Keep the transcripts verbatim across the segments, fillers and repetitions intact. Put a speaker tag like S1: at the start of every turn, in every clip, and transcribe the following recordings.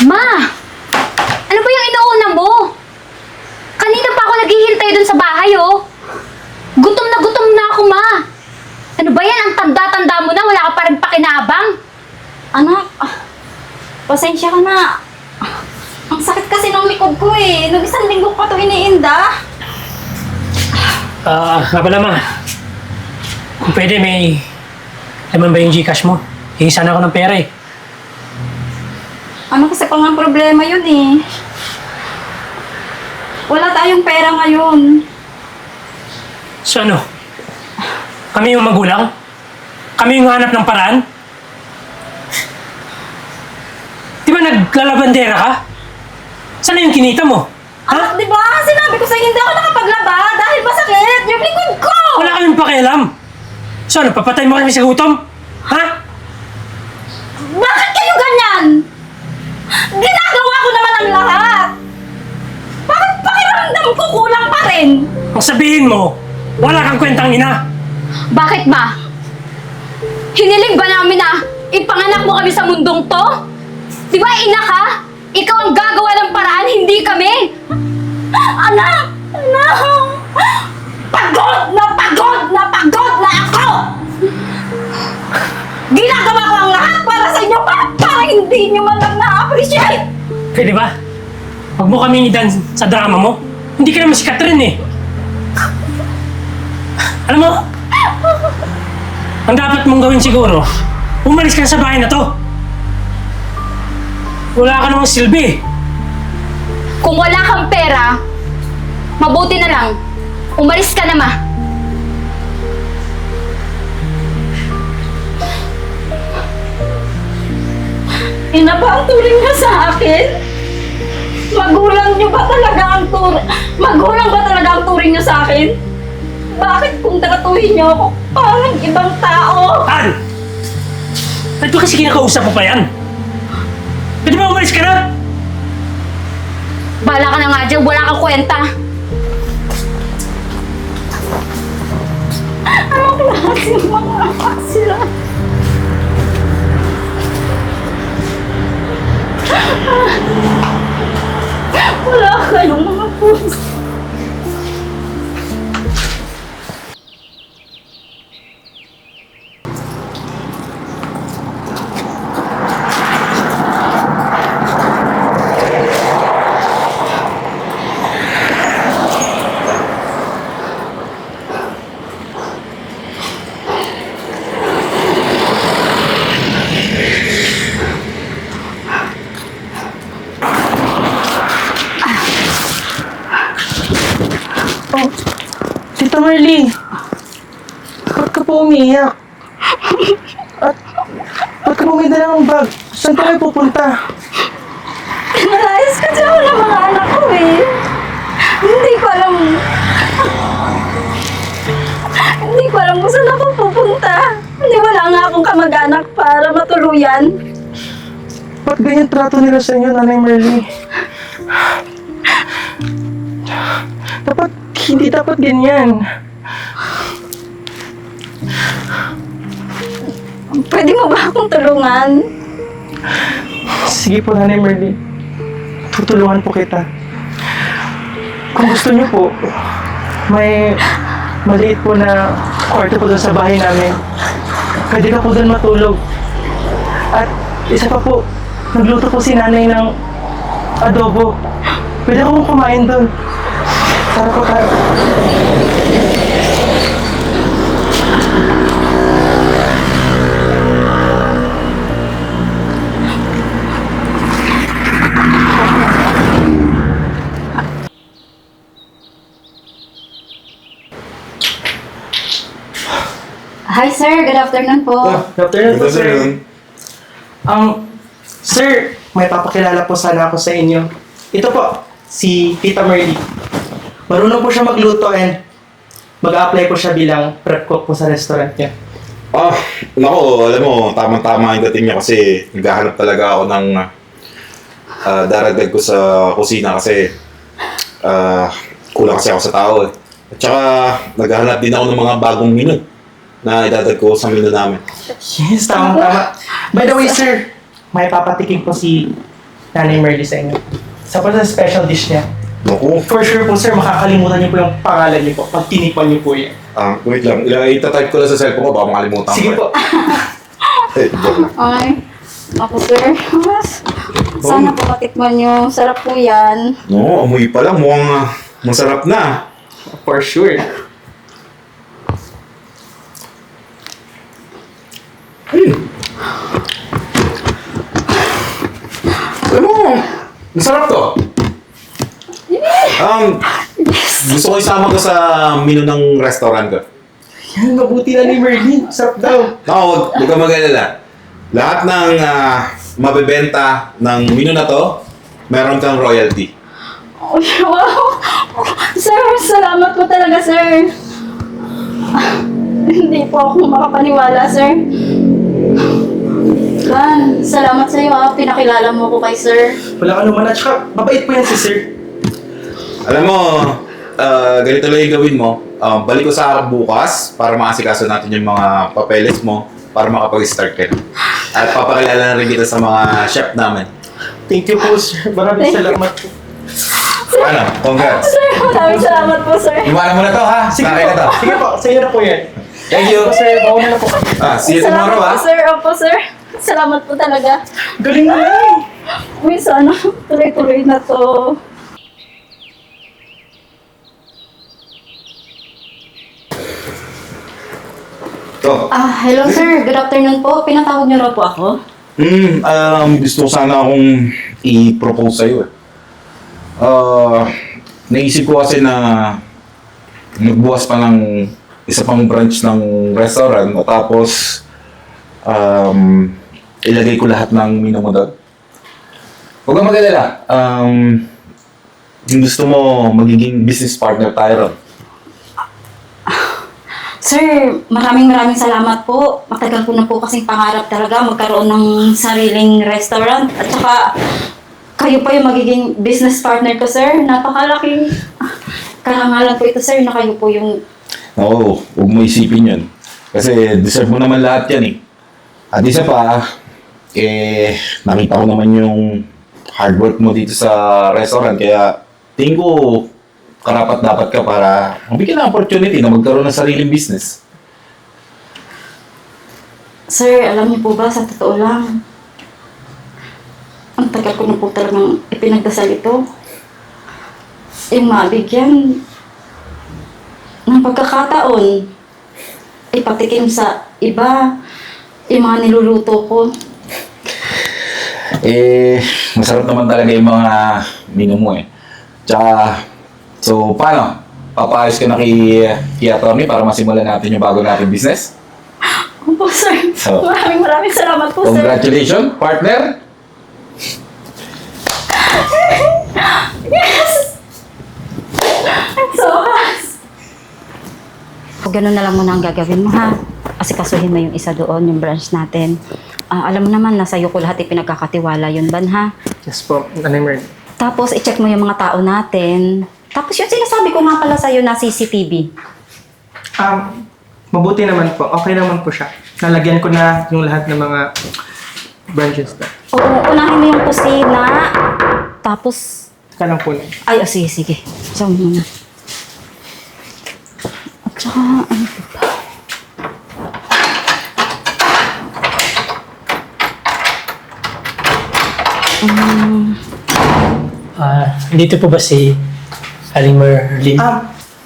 S1: Ma! Ano ba yung inuuna mo? Kanina pa ako naghihintay dun sa bahay, oh. Gutom na gutom na ako, Ma. Ano ba yan? Ang tanda-tanda mo na, wala ka pa rin pakinabang.
S2: Anak, ah, pasensya ka na. Ang sakit kasi ng likod ko eh. Nung isang linggo pa to iniinda.
S3: Ah, nga pala ma. Kung pwede, may laman ba yung Gcash mo? Hingi sana ako ng pera eh.
S2: Ano kasi pa nga problema yun eh. Wala tayong pera ngayon.
S3: So ano? Kami yung magulang? Kami yung hanap ng paraan? Di ba naglalabandera ka? Saan na yung kinita mo?
S2: Anak, di ba? Sinabi ko sa'yo, hindi ako nakapaglaba dahil masakit yung likod ko!
S3: Wala kaming pakialam. So ano, papatay mo kami sa gutom? Ha?
S2: Bakit kayo ganyan? Ginagawa ko naman ang lahat! Bakit pakiramdam ko kulang pa rin?
S3: Ang sabihin mo, wala kang kwentang ina.
S1: Bakit, Ma? Hiniling ba namin na ipanganak mo kami sa mundong to? Di ba, ina ka? Ikaw ang gagawa ng paraan, hindi kami!
S2: Anak! Anak! Pagod na pagod na pagod na ako! Ginagawa ko ang lahat para sa inyo para, para hindi nyo man lang na-appreciate!
S3: Pwede ba? Huwag mo kaming idan sa drama mo. Hindi ka naman si Catherine eh. Alam mo, ang dapat mong gawin siguro, umalis ka na sa bahay na to. Wala ka namang silbi.
S1: Kung wala kang pera, mabuti na lang, umalis ka na, Ma.
S2: Ina ba ang turing niyo sa akin? Magulang niyo ba talaga ang tur... Magulang ba talaga ang turing niyo sa akin? Bakit kung tratuhin niyo ako parang ibang tao?
S3: An! Ba't ba kasi kinakausap mo pa yan? Pwede ba umalis ka na?
S1: Bala ka na nga dyan, wala kang kwenta.
S2: Anong klaseng mga anak sila? Wala kayong mga puso.
S4: Tita Marley, ba't ka po umiiyak? At ba't ka po may dalang bag? Saan ka kayo pupunta?
S2: Nalayas kasi ako ng mga anak ko eh. Hindi ko alam. Hindi ko alam kung saan ako pupunta. Hindi wala nga akong kamag-anak para matuluyan.
S4: Ba't ganyan trato nila sa inyo, Nanay Marley? Dapat, hindi dapat ganyan.
S2: Pwede mo ba akong tulungan?
S4: Sige po, Nanay Marley. Tutulungan po kita. Kung gusto niyo po, may maliit po na kwarto po doon sa bahay namin. Pwede ka po doon matulog. At isa pa po, nagluto po si nanay ng adobo. Pwede akong kumain doon. Tara po tayo.
S2: Hi sir, good afternoon po.
S4: Good afternoon po, sir. Um, sir, may papakilala po sana ako sa inyo. Ito po, si Tita Marley. Marunong po siya magluto and mag-a-apply po siya bilang prep cook po sa restaurant niya.
S5: Ah, nako, alam mo, tamang-tama yung dating niya kasi naghahanap talaga ako ng ah, daragdag ko sa kusina kasi ah, kulang kasi ako sa tao eh. At saka, naghahanap din ako ng mga bagong menu na idadag ko sa menu namin.
S4: Yes, tama, tama. By the way, sir, may papatikim po si Nanay Merly sa inyo. Sa pa sa special dish niya.
S5: Naku.
S4: For sure po sir, makakalimutan niyo po yung pangalan niyo po pag tinipan niyo po yan.
S5: Ah, wait lang. Ila, itatype ko lang sa cellphone ko, baka makalimutan
S4: Sige
S5: ko.
S4: po.
S5: Eh, joke lang.
S2: Ay, ako sir. Sana po matikman nyo. Sarap po yan.
S5: No, amoy pa lang. Mukhang ah, masarap na.
S4: For sure.
S5: Hmm. Alam mo, masarap to. Um, gusto ko isama ko sa menu ng restaurant ko.
S4: Yan, mabuti na ni Merly. Sarap daw.
S5: Ako, wag, wag ka mag-alala. Lahat ng ah, mabebenta ng menu na to, meron kang royalty.
S2: Oh, wow! Sir, salamat po talaga, sir. Hindi po ako makapaniwala, sir. Dan, salamat sa iyo, ah. Pinakilala mo ko kay sir.
S4: Wala ka naman at saka, mabait po yan si sir.
S5: Alam mo, ah, ganito lang yung gawin mo. Ah, balik ko sa harap bukas para maasikaso natin yung mga papeles mo para makapag-start ka na. At papakilala na rin kita sa mga chef namin.
S4: Thank you po sir. Maraming
S2: Thank you.
S4: salamat po.
S5: Ano? Congrats!
S2: Sir, maraming salamat po, sir.
S5: Iwanan mo na to, ha?
S4: Sige
S5: Nakaya
S4: po.
S5: na to.
S4: Sige po, sa iyo na po yan.
S5: Thank you!
S4: Sir, bawa na po kami.
S5: Ah, see you
S2: Salamat
S5: tomorrow, ha?
S2: po, sir. Opo, sir. Salamat po talaga.
S4: Galing na yan.
S2: Uy, sana tuloy-tuloy na to.
S5: To.
S2: Ah, hello sir. Good afternoon po. Pinatawag niyo raw po ako.
S5: Hmm, um, gusto ko sana akong i-propose sa'yo, eh. Ah, naisip ko kasi na nagbukas pa ng isa pang branch ng restaurant at tapos um, ilagay ko lahat ng menu mo doon. Huwag kang mag-alala. Um, yung gusto mo, magiging business partner tayo ron.
S2: Sir, maraming maraming salamat po. Matagal ko na po kasing pangarap talaga magkaroon ng sariling restaurant. At saka, kayo pa yung magiging business partner ko, sir. Napakalaking karangalan po ito, sir, na kayo po yung...
S5: Oo, huwag mo isipin yun. Kasi deserve mo naman lahat yan, eh. At isa pa, eh, nakita ko naman yung hard work mo dito sa restaurant. Kaya, tingin ko, karapat dapat ka para mabigyan ng opportunity na magkaroon ng sariling business.
S2: Sir, alam niyo po ba, sa totoo lang, ang tagal ko na po talagang ipinagdasal ito. Yung mabigyan ng pagkakataon, ipatikim sa iba, yung mga niluluto ko.
S5: Eh, masarap naman talaga yung mga menu mo, eh. Tsaka, so, paano? Papaayos ka na kay, kay attorney para masimulan natin yung bago nating business?
S2: Opo, sir.
S5: So,
S2: Maraming maraming salamat po, sir.
S5: Congratulations, partner!
S2: Yes! I'm so happy.
S6: O ganun na lang muna ang gagawin mo ha. Kasi kasuhin mo yung isa doon, yung branch natin. Ah, alam mo naman, nasa iyo ko lahat ipinagkakatiwala yun, Ban ha.
S4: Yes po, Nanay Merly.
S6: Tapos i-check mo yung mga tao natin. Tapos yung sinasabi ko nga pala sa'yo na C C T V.
S4: Um, mabuti naman po. Okay naman po siya. Nalagyan ko na yung lahat ng mga branches na.
S6: Oo, unahin mo yung kusina. Tapos,
S4: Ka lang po na.
S6: ay, oh, sige, sige. Diyan muna. At saka, ano pa ba? Um,
S3: Ah, dito po ba si Aling Merlin?
S4: Um,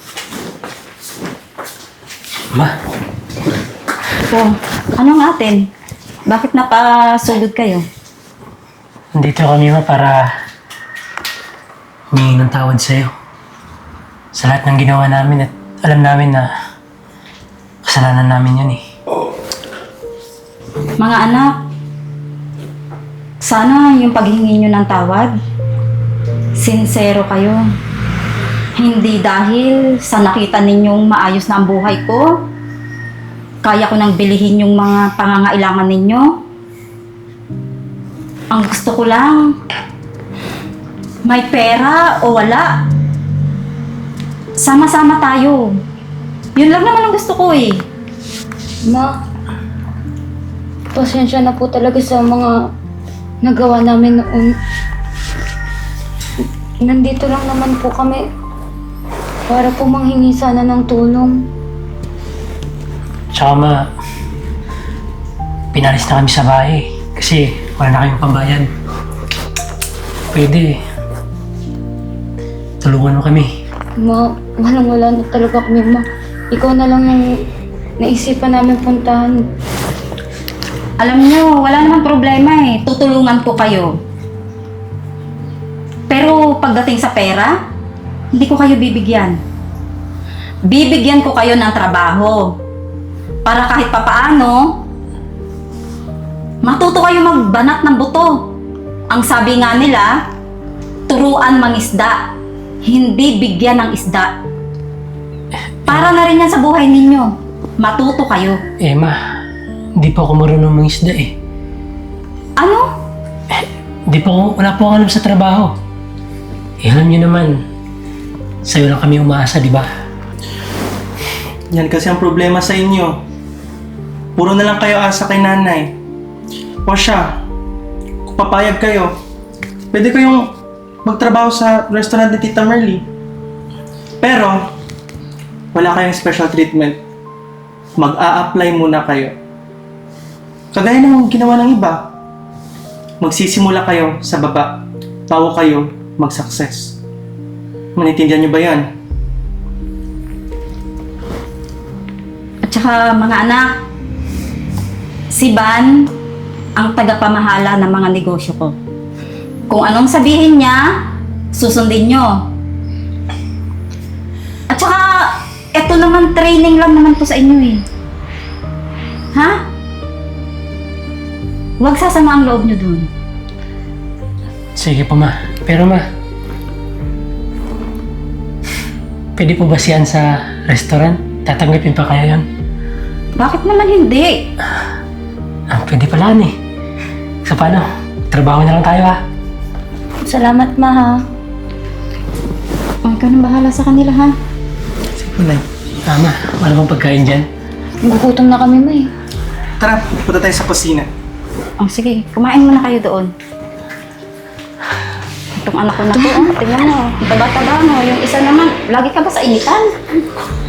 S3: Ma,
S6: oh, ano nga atin? Bakit napasugod kayo?
S3: nandito kami ma para humingi ng tawad sa'yo. Sa lahat ng ginawa namin at alam namin na kasalanan namin yun eh.
S6: Mga anak, sana yung paghingi nyo ng tawad, sincero kayo. Hindi dahil sa nakita ninyong maayos na ang buhay ko, kaya ko nang bilihin yung mga pangangailangan ninyo. Ang gusto ko lang, may pera o wala, sama-sama tayo. Yun lang naman ang gusto ko eh.
S1: Ma, pasensya na po talaga sa mga nagawa namin noon. Nandito lang naman po kami para po manghingi sana ng tulong.
S3: Tsaka ma, pinalis na kami sa bahay kasi wala na kaming pambayad. Pwede, tulungan mo kami.
S1: Ma, walang wala na talaga kami, ma. Ikaw na lang yung naisipan namin puntahan.
S6: Alam nyo, wala namang problema eh. Tutulungan ko kayo. Pero pagdating sa pera, hindi ko kayo bibigyan. Bibigyan ko kayo ng trabaho. Para kahit papaano, matuto kayo magbanat ng buto. Ang sabi nga nila, turuan mangisda, hindi bigyan ng isda. Para na rin yan sa buhay ninyo. Matuto kayo.
S3: Eh ma, hindi po ako marunong mangisda eh.
S6: Ano?
S3: Di po ako, wala po ako alam sa trabaho. Eh alam niyo naman, sa'yo lang kami umaasa, di ba?
S4: Yan kasi ang problema sa inyo. Puro na lang kayo asa kay nanay. O siya, kung papayag kayo, pwede kayong magtrabaho sa restaurant ni Tita Merly. Pero, wala kayong special treatment. Mag-a-apply muna kayo. Kagaya ng ginawa ng iba. Magsisimula kayo sa baba bago kayo mag-success. Manitindihan niyo ba yan?
S6: At saka mga anak, si Van ang tagapamahala ng mga negosyo ko. Kung anong sabihin niya, susundin nyo. At saka, eto naman training lang naman po sa inyo eh. Ha? Huwag sasama ang loob nyo dun.
S3: Sige po ma, pero ma, pwede po ba siyan sa restaurant? Tatanggapin pa kaya yun?
S6: Bakit naman hindi?
S3: Ah, pwede pala eh. So paano? Trabaho na lang tayo ha?
S1: Salamat, ma, ha.
S6: Oh, ikaw nang bahala sa kanila ha.
S4: Sige po, Nay.
S3: Ah ma, wala bang pagkain dyan?
S1: Gugutom na kami, ma, eh.
S4: Tara, punta tayo sa kusina.
S6: Oh, sige, kumain muna kayo doon. Itong anak ko na to, oh, tingnan mo, ang taba-taba mo. Yung isa naman, lagi ka ba sa initan?